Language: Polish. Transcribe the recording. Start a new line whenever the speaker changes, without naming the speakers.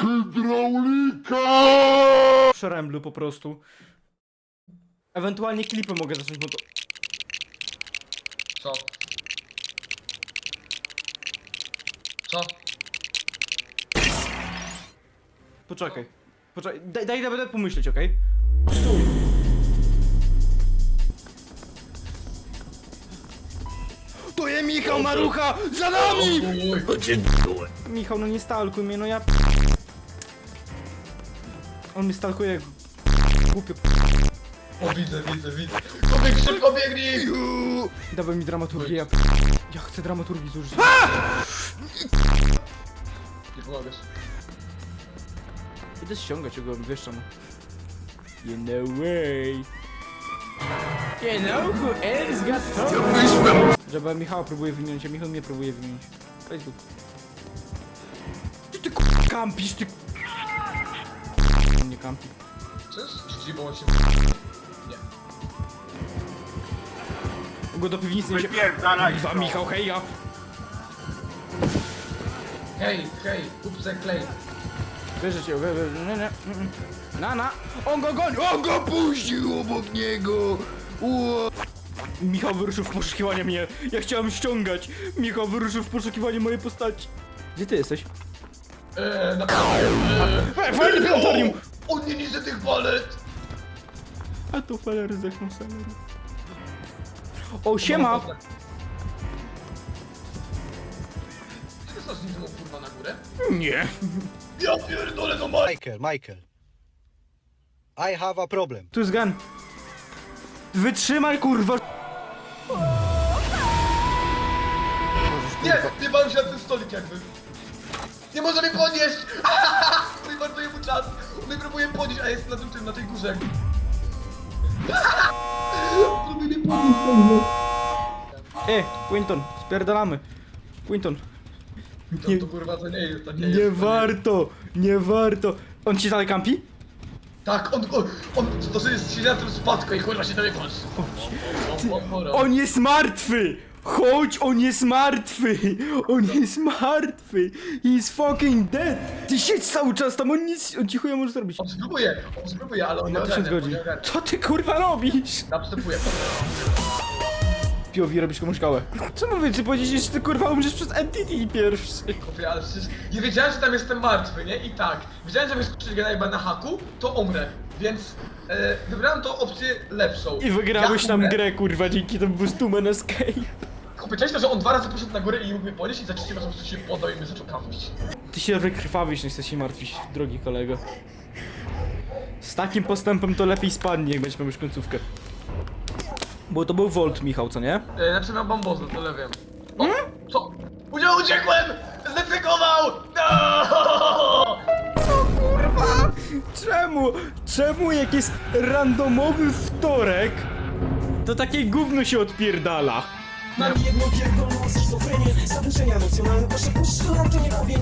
Hydraulika!
Przeręblu po prostu. Ewentualnie klipy mogę zacząć, bo to...
Co? Co?
Poczekaj. Poczekaj, daj będę pomyśleć, okej? Stój! To jest Michał Marucha! Za nami!
Uj.
Michał, no nie stalkuj mnie, no ja... On mnie stalkuje jak... Głupio...
O, widzę. Kobieg, szybko biegnij!
Dawaj mi dramaturgię, ja chcę dramaturgii zużyć.
Nie pomagasz.
Idę ściągać go, wiesz czemu. You know way. You know who else got fun? Żeby Michała próbuje wymienić, a Michał mnie próbuje wymienić. Facebook. Ty kampisz, ty... Nie kampi.
Co jest? GG, bo on się... Nie.
Go do piwnicy nie się... Kurwa, Michał, heja!
Hej, kupce klej.
Wierzę cię, nie. Na. On go goni! On go puścił obok niego! Ło. Michał wyruszył w poszukiwanie mnie. Ja chciałem ściągać. Michał wyruszył w poszukiwanie mojej postaci. Gdzie ty jesteś? Fajny planetorium!
On nie niżej tych balet!
A to falery zechną salery. O, siema!
Czy to z nim kurwa na górę?
Nie.
Ja pierdolę, no
Michael. I have a problem.
Tu jest gun. Wytrzymaj, kurwa!
Nie bałem się na ten stolik jakby. Nie może mnie podnieść! Mój marnuje mu czas. On mnie próbuje podnieść, a jest na tym, na tej górze jakby. Próbuje mnie podnieść.
Quinton, spierdalamy. Quinton.
To kurwa to nie jest, to nie
Nie
jest.
warto, nie warto. On ci dalej kampi?
Tak, on to sobie siedzi na tym spadku i kurwa się do mnie patrzy.
On jest martwy! Chodź, on jest martwy! On jest martwy! He's fucking dead! Ty siedź cały czas tam, on ci chuja może zrobić.
On spróbuje, ale on nie
Na 1000
ogarnia,
godzin.
on nie ogarnia.
Co ty kurwa robisz?
Następuje.
Piowi robisz komuś kałę. Czemu wy powiedzieć, że ty kurwa umrzesz przez entity pierwszy?
Kopie, ale przecież nie wiedziałem, że tam jestem martwy, nie? I tak, wiedziałem, że jak skoczyć gena na haku, to umrę, więc wybrałem tą opcję lepszą.
I wygrałeś
Ja
tam
umrę.
grę kurwa dzięki temu Boostman Escape.
Kopie, część to, że on 2 razy poszedł na górę i mógł mnie podnieść i za trzecim razem po prostu się podał i mnie zaczął kampić.
Ty się wykrwawisz, nie chcesz się martwić, drogi kolego. Z takim postępem to lepiej spadnie, jak będziesz miał już końcówkę. Bo to był Volt, Michał, co nie?
Znaczy miał bambozę, tyle wiem. O, co? Uciekłem! Zdecydował! No!
Kurwa! Czemu? Czemu jak jest randomowy wtorek, to takie gówno się odpierdala?
Mam jedną pierdolą schizofrenię, zaburzenia emocjonalne, proszę puszczę, to nie powie